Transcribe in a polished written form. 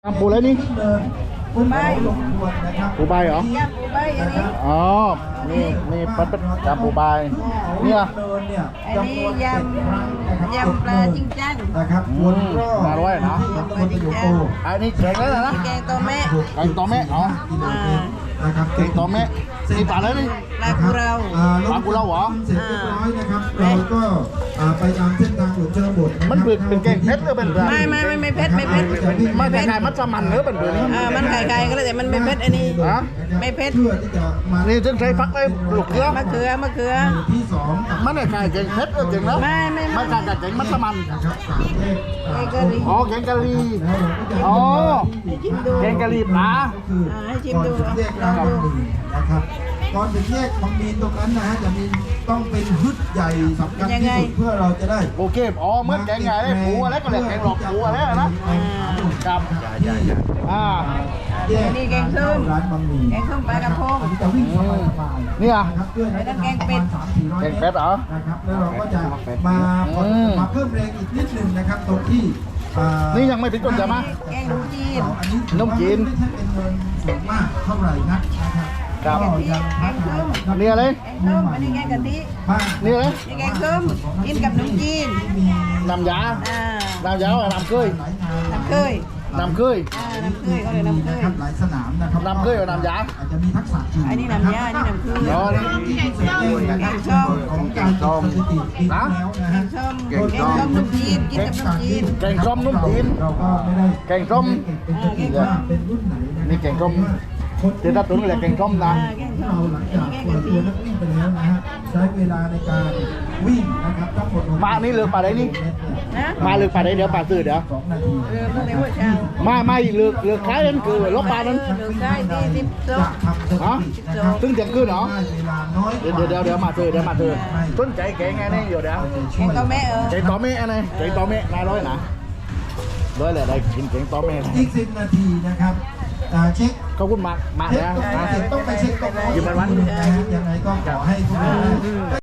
ปูอะไรนี่ปูใบปูใบเหรอยำปูใบอันนี้อ๋อนี่ปัดจำปูใบเนี่ยอันนี้ยำปลาจิ้งจังนะครับวนรอบมาด้วยเนาะวนอยู่โตอันนี้แข็งแล้วนะแกงตัวแม่แกงตัวแม่อ๋อนะครับแกงตัวแม่นี่ปลาอะไรนี่ปลากุเราปลากุเลาเหรอเสร็จเรียบร้อยนะครับเราก็ไปตามเส้นทางหลวงชนบทมันเป็นแกงเพชรหรือเป็นอะไรไม่เผ็ดไม่เผ็ดมันคล้ายๆมัสมั่นหรือเป็นแบบนี้มันไข่ๆก็เลยแต่มันไม่เผ็ดอันนี้ฮะไม่เผ็ดเพื่อที่จะมานี่ถึงใช้ฟักได้ลูกเกลือมะเขือหมู่ที่สองมันไม่คล้ายแกงเพชรหรือแกงแล้วไม่ไม่คล้ายกับแกงมัสมั่นนะครับสามเลขแกงกะหรี่อ๋อแกงกะหรี่แล้วเราก็จะอ๋อให้ชิมดูแกงกะหรี่ปลาก็คือให้ชิมก่อนดูถึงแยกรางบางมีนะครับก่อนถึงแยกบางมีตรงนั้นนะฮะจะมีต้องเป็นฮึดใหญ่สำคัญที่สุดเพื่อเราจะได้โอเคอ๋อเหมื่อนแกงไงได้ปูอะไรก็เรียกแกงหลอกปูอะไรนะครับอ่านี่แกงส้มร้านบางมีแกงส้มปลากระพงอันนี้จะวิ่งสบายๆเนี่ยนะครับเพื่อให้ได้แกงเป็ดแกงเป็ดเหรอนะครับแล้วเราก็จะมาเพิ่มแรงอีกนิดนึงนะครับตรงที่นี่ยังไม่ถึงต้นจะมาแกงหนูจีนอันนี้นมจีนไม่ใช่เป็นเงินสูงมากเท่าไหร่นักนะครับครับก็ยังพัฒนานี่อะไรแกงส้มอันนี้แกงกะทิบ้างนี่อะไรนี่แกงส้มกินกับขนมจีนมีน้ำยา น้ำยาว่าน้ำเคยหลายงานน้ำเคยน้ำเคยน้ำเคยเขาเรียกน้ำเคยนะครับหลายสนามนะครับน้ำเคยกับน้ำยาอาจจะมีทักษะจริงอันนี้น้ำยาอันนี้น้ำเคยอ๋อนี่ของการจดสถิติปีที่แล้วนะแกฮะงส้มแกงส้มขนมจีนกินกับขนมจีนแกงส้มนุ่มจีนเราก็ไม่ได้แกงส้มเป็นสถิติว่าเป็นรุ่นไหนนะนี่แกงส้มเดี๋ยวถ้าตุ๋นแหละแกงส้มนะแกงส้เรามหลังจากปล่อยตัวนักวิ่งไปแล้วนะฮะใช้เวลาในการวิ่งนะครับทั้งหมดมานี่เลือกปลาไหนนี่นะมาเลือกปลาไหนเดี๋ยวปลาซื้อเดี๋ยว 2 นาทีเมื่อไหร่หัวเช้าไม่เลือกคล้ายนั่นคือลบปลานั้นเลือกได้ที่สิบสอจะงทำสถิตินะครับซึ่งเที่ยงคืนเหรอได้เวลาน้อยกเดี๋ยวว่าเดี๋ยวมาซื้อต้นใจแกงไงนี่อยู่เดี๋ยวแกงตัวแม่แกงตอเมะอะไรแกงตอเมะนายร้อยนะร้อยแหละได้กินแกงตอเมะอีก 10 นาทีนะครับเช็คขอบคุณมากเช็คนะต้องไปเช็คต้องหยิบมันนะฮะยังไงก็ขอให้ทุกคน